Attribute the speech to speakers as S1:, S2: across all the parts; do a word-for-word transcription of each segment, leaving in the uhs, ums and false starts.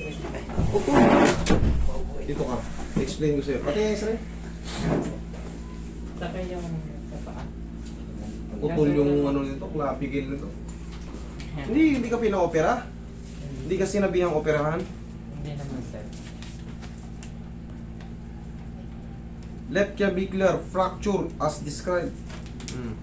S1: Upo. Dito ka. Explain ko sa'yo. Pati yung x-ray.
S2: Saka yung sa paa.
S1: Putol yung ano nito, clavicle nito. Hindi, hindi ka pina-opera. Hindi ka sinabihang operahan.
S2: Hindi naman sir.
S1: Left clavicular fracture as described. Hmm.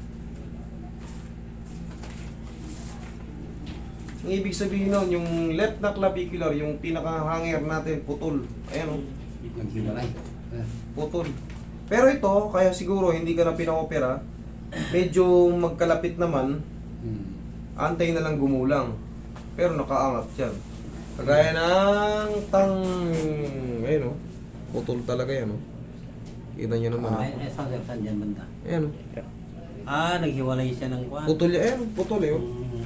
S1: Ang ibig sabihin nun, yung left na clavicular, yung pinaka-hanger natin, putol. Ayan o,
S3: Naghiwalay.
S1: putol. Pero ito, kaya siguro hindi ka na pina-opera, medyo magkalapit naman,
S3: Hmm.
S1: antay na lang gumulang. Pero nakaangat yan. Kagaya ng tang... Ayun o, putol talaga yan o. Kita nyo naman.
S3: Ay, ay, saan saan dyan banda?
S1: Ayan o,
S3: Ah, naghiwalay siya ng kwan.
S1: putol yan. Ayan, putol eh o.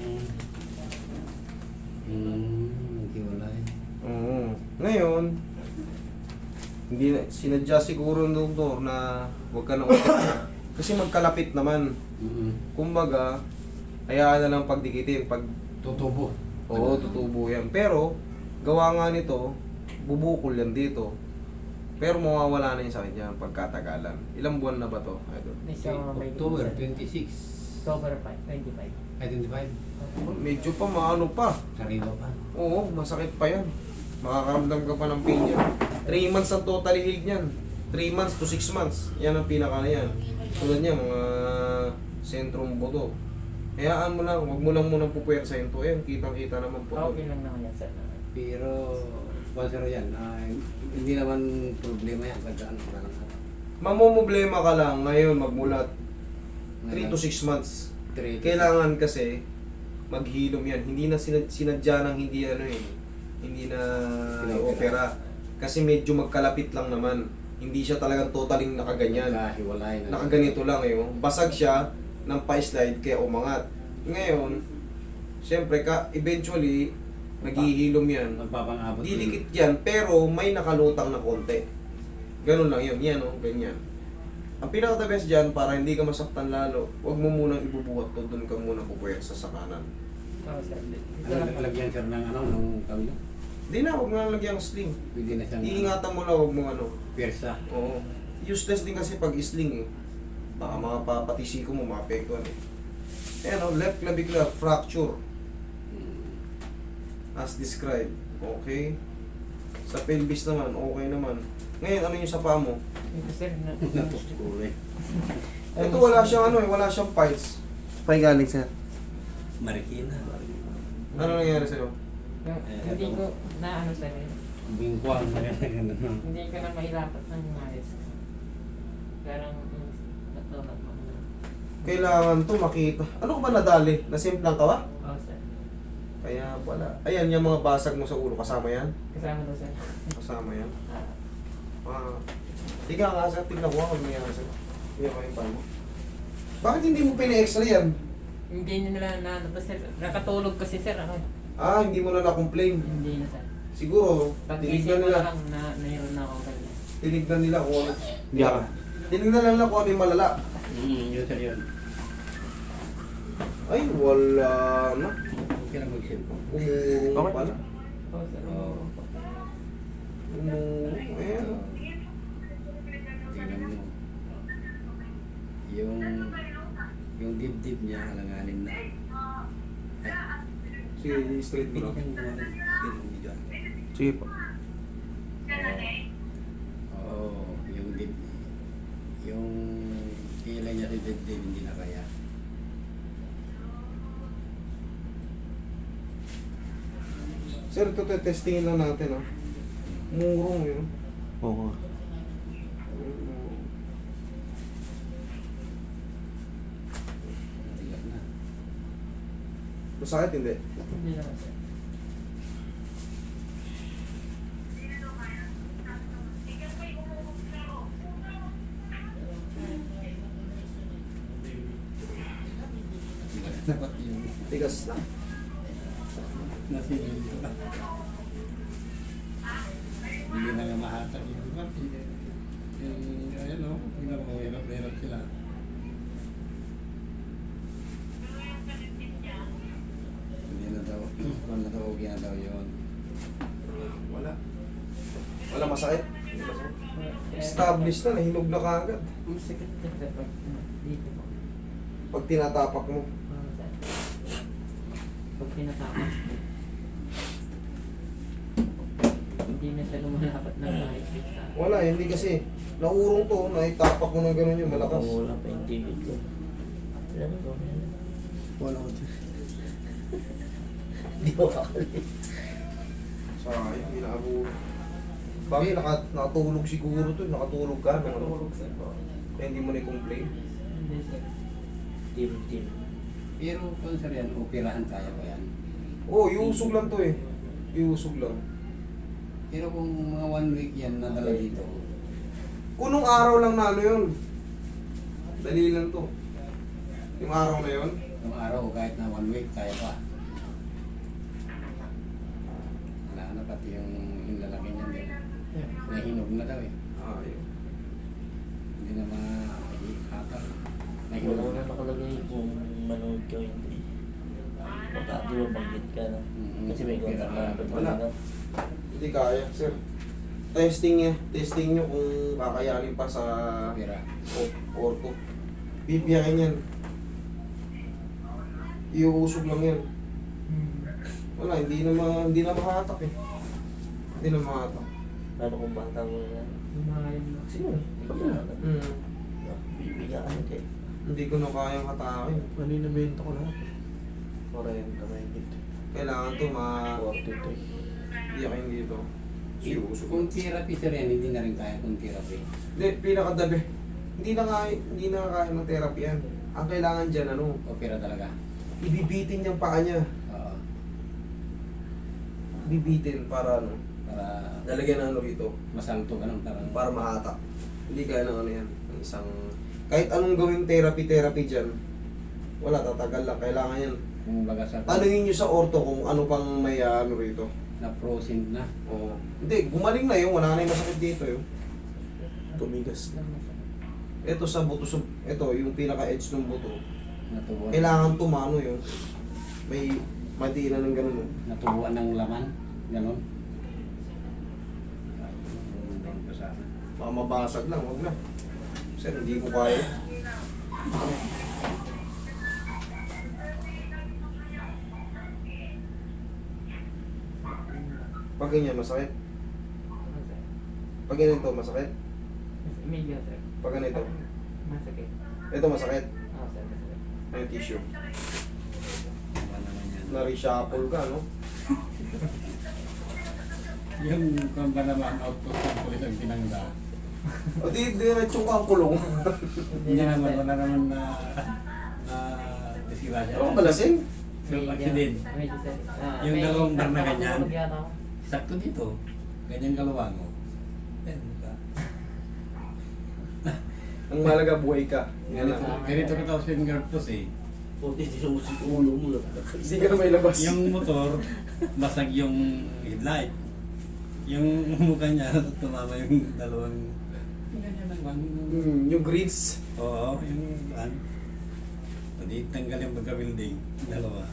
S3: Hmm. Hmm, naghiwalay.
S1: Oo. Ngayon, hindi na, sinadya siguro ng doktor na huwag ka na opera. Kasi magkalapit naman.
S3: Hmm.
S1: Kumbaga, hayaan na lang pagdikitin. Pag,
S3: Tutubo.
S1: oo, tutubo yan. Pero, gawa nga nito, bubukol yan dito. Pero mawawala na yung sakit niya pagkatagalan. Ilang buwan na ba to? Idol?
S2: May sa mga may
S3: October twenty-six.
S2: October five, twenty-five.
S3: Ay, twenty-five.
S1: Medyo pa maano pa.
S3: Sariwa pa.
S1: Oo, masakit pa yan. Makakaramdam ka pa ng pain yan. three months ang totally healed niyan. three months to six months. Yan ang pinaka na yan. Tulad niya, mga sentrum buto. Hayaan mo lang, huwag mo lang munang pupuwersa yun to. Ayan, kitang-kita naman po.
S2: Okay lang naman yan sir.
S3: Pero, sponsor yan. Ah, hindi naman problema yan. Pagkaan ko lang.
S1: Mamumblema ka lang ngayon magmulat three to six months.
S3: Three.
S1: Kailangan kasi maghilom yan. Hindi na sinad sinadya ng hindi ano eh. Hindi na opera. Kasi medyo magkalapit lang naman. Hindi siya talagang totaling nakaganyan.
S3: Nakahiwalay na.
S1: Nakaganito lang eh. oh. Basag siya ng pa-slide kaya umangat. Ngayon, siyempre ka eventually naghihilom yan.
S3: Magpapangabot.
S1: Dilikit yan pero may nakalutang na konti. Ganun lang yun. Yan oh, ganyan. Ang pinaka-the best dyan, para hindi ka masaktan lalo, huwag mo munang ibubuhat to, doon ka muna pupuwersa sa kanan.
S2: Oo sir. Ito
S3: Ano,
S2: lang po.
S3: lagyan sir ng ano, nung kami na?
S1: Hindi na, huwag na lagyan ng sling.
S3: Pwede na siyang
S1: Iingatan mo lang, huwag mo ano.
S3: piersa.
S1: Oo. Useless din kasi pag sling eh. Baka mga papatisi ko mo, maapektuhan eh. Ayan o, left clavicular fracture. As described. Okay. Sa pelvis naman, okay naman. Ngayon, ano yung sa paa mo?
S2: Ito sir. na-
S3: Napusko eh.
S1: Ito wala siyang ano eh, wala siyang fights. Pay galing sir.
S3: Marikina.
S1: Ano nangyari sa'yo?
S2: Yung, hindi ko na ano sir. eh.
S3: Bingkwang na gano'n.
S2: Hindi ko na mahirapat ng maayos. Parang mm, natulad mo na.
S1: Kailangan to makita. Ano ka ba nadali? Nasimplang ka ba?
S2: Oo sir.
S1: Kaya pala. Ayan, yung mga basag mo sa ulo. Kasama yan?
S2: Kasama daw sir.
S1: Kasama yan.
S2: Ah,
S1: Ah. Tiga nga sir, tignan ko kung nangyari sa'yo. Tignan ko yung paa mo. Bakit hindi mo pina-x-ray yan?
S2: hindi nila na ano pa sir. Nakatulog kasi sir ako.
S1: Ah, hindi mo na na-complain.
S2: Hindi na sir.
S1: Siguro,
S2: Pag
S1: tinignan
S2: isip ko
S1: nila.
S2: lang na mayroon na ako ganyan.
S1: Tinignan nila kung ano. Hindi ka. Tinignan lang nila kung ano yung malala.
S3: Hmm, yun sir yun.
S1: Ay, wala na.
S3: Okay lang mag-cellphone.
S1: Umurong pala.
S2: Oo sir.
S3: Oo.
S1: Umurong. Ayan.
S3: Tingnan mo. Yung yung dibdib niya alanganin na.
S1: Sige, straight mo
S3: Binigyan
S1: lang.
S3: mo na ng video.
S1: Sige po.
S3: Oo, yung dib yung kilay niya sa dibdib hindi na kaya.
S1: Sir, ito testingin lang natin ah. Umurong yun.
S4: Oo.
S3: Matigas na.
S1: Masakit hindi?
S2: Hindi naman sir.
S3: Dapat yung
S1: Tigas na.
S3: nasilin ko na. Hindi na nga mahatag yung iba. Yung, ayan o, tingnan mo, hirap na hirap sila. Hindi na daw, wala na daw, ginagaw yun.
S1: Wala. Wala masakit. Established na, nahinog na kaagad.
S2: Ang sakit niya sa pag ano, dito po.
S1: Pag tinatapak mo.
S2: Ah, sir. Pag tinatakas po. Hindi na siya lumalapat ng mahigpit sa
S1: Wala, hindi kasi. Naurong to, naitapak mo ng gano'n yung malakas.
S4: Wala pa yung tigil ko. Alam mo,
S3: Wala ko dyan.
S4: Hindi mo kakali.
S1: Sayang, hindi nakabu. Bakit naka, nakatulog siguro to, nakatulog ka. Nakatulog.
S2: natulog sir po.
S1: Kaya hindi mo na-complain.
S2: Hindi sir.
S4: Team, team.
S3: Pero kung sir yan, operahan kaya pa yan.
S1: Oo, oh, iusog lang to eh. Iusog lang.
S3: Pero kung mga one week yan nadala dito,
S1: Kunong araw lang na ano yun. Dali lang to. Yung araw na yun.
S3: yung araw kahit na one week kaya pa. Wala na pati yung, yung lalaki niyan din.
S2: Yeah.
S3: Nahinog na daw eh.
S1: Ah, yun.
S3: Hindi na makakata.
S4: Wala
S3: Nahinog
S4: na
S3: na.
S4: nakalagay kung manood ka o hindi. Baka di ba banggit ka na.
S3: Mm,
S4: Kasi may
S3: opera
S4: kontra
S3: na.
S4: ka.
S1: Wala. Hindi kaya, sir. Testing niya. Testing niyo kung kakayanin pa sa
S3: Opera.
S1: o- orto. Bibiyakin yan. Iuusog lang yan.
S2: Hmm.
S1: Wala, hindi na, ma, hindi na makahatak eh. Hindi na makahatak.
S4: Paano kung bata mo na yan?
S2: Lumayan na.
S1: Sino?
S4: Bigyan ka.
S1: Hmm.
S4: Bibigyan ka.
S1: Hindi ko na kayang hatakin. Kanina benta ko lahat.
S4: forty na may dito.
S1: Kailangan to ma...
S4: forty-three.
S1: Iyakin dito. Iuusog.
S3: Kung therapy sir yan, hindi na rin kaya kung therapy.
S1: Hindi, pinakadabi. Hindi na kaya, hindi na kaya ng therapy yan. Ang kailangan dyan, ano,
S3: Opera talaga.
S1: ibibitin yung paa niya.
S3: Oo.
S1: Bibitin para ano,
S3: Para
S1: lalagyan ng ano rito.
S3: masalto ganun. Parang
S1: Para mahatak. Hindi kaya ng ano yan. Ng isang... Kahit anong gawing therapy-therapy dyan, wala, tatagal lang. Kailangan yan.
S3: kung baga sa
S1: Tanungin nyo sa orto kung ano pang may ah, ano rito.
S3: na frozen na.
S1: Oo. Hindi, gumaling na yun. Wala na yung masakit dito yun.
S4: Tumigas na.
S1: Ito sa buto, sa, ito yung pinaka-edge ng buto.
S3: Natubuan.
S1: Kailangan tumano yun. May madina ng ganun. oh.
S3: Natubuan ng laman. Ganon. Ay, doon pa sana.
S1: Baka mabasag lang, wag na. Sir, hindi ko kaya. Pag ganyan, masakit.
S2: Ah, sir.
S1: Pag ganito, masakit.
S2: Medyo sir.
S1: Pag ganito,
S2: Masakit.
S1: ito masakit.
S2: Ah, sir, masakit.
S1: Ano yung tissue?
S3: Ano naman yan.
S1: Na-reshuffle ka, no?
S3: Yung kung ba naman output ng pulis ang pinangga.
S1: O di, diretso kang kulong.
S3: Hindi naman, wala naman na na disila siya.
S1: Ano balasing?
S3: Yung accident.
S2: Medyo sir. Ah,
S3: Yung
S2: may-
S3: dalawang bar na ganyan.
S2: nakatulog yata ako.
S3: Sakto dito. Ganyan kaluwang mo. Yan ka.
S1: Ang malaga, buhay ka. Yan
S3: Ganito,
S1: lang.
S3: ganito ka tapos yung gartos eh.
S4: Puti, sinusik ulo mo lang.
S1: Hindi ka na may labas.
S3: Yung motor, basag yung headlight. Yung mukha niya, tumama yung dalawang... Ganyan lang man.
S1: Hmm, yung grease.
S3: Oo, yung ano. Hindi tanggal yung pagka-building. Dalawa.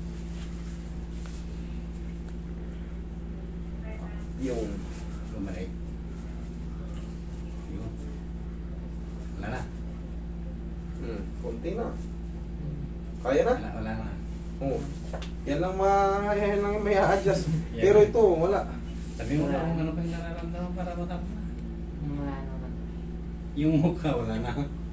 S1: Yung...
S3: Bumalik. Yun. Wala na.
S1: Hmm, konti na. Kaya na?
S3: Wala, wala na.
S1: Oo. Yan lang ma... Yan lang yung may a-adjust.
S3: Yeah.
S1: Pero ito, wala.
S3: Sabi mo na kung ano pa yung nararamdaman para matapos na.
S2: Mga ano na.
S3: Yung mukha, wala na.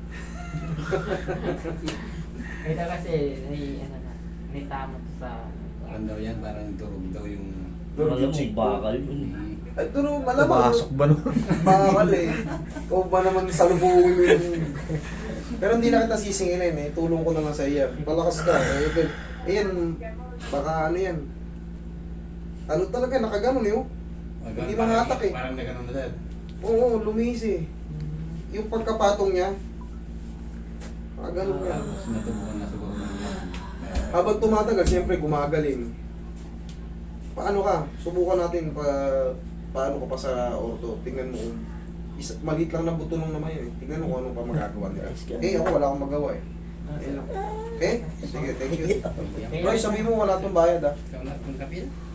S2: Ito kasi, may ano na, may tamot sa...
S3: Parang daw yan, parang durog daw yung...
S4: Alam mo, bakal yun.
S3: Mm.
S1: Ay, ito no, malamang.
S4: Pasok ba nun?
S1: Bakal eh. Ikaw ba naman salubungin yung... Pero hindi na kita sisingilin eh. Tulong ko na lang sa iya. Palakas ka. Eh, ito, ayan, baka ano yan. Ano talaga, nakaganon eh. oh.
S3: Parang-
S1: Hindi mahatak eh.
S3: Parang na ganun na dad.
S1: Oo, lumis eh. Yung pagkapatong niya, nakaganon ka.
S3: Tapos natubuan na siguro ng
S1: Habang tumatagal, siyempre gumagaling. Paano ka? Subukan natin pa paano ka pa sa orto. Tingnan mo kung isa, maliit lang na buto nung naman yun. eh. Tingnan mo kung ano pa magagawa nila. Eh, ako wala akong magawa eh.
S2: Ah,
S1: Ayun
S2: sir.
S1: lang. Okay? Sige, thank you.
S2: Okay.
S1: Roy, sabi mo wala tong bayad ah.
S3: Ikaw na kung kapil?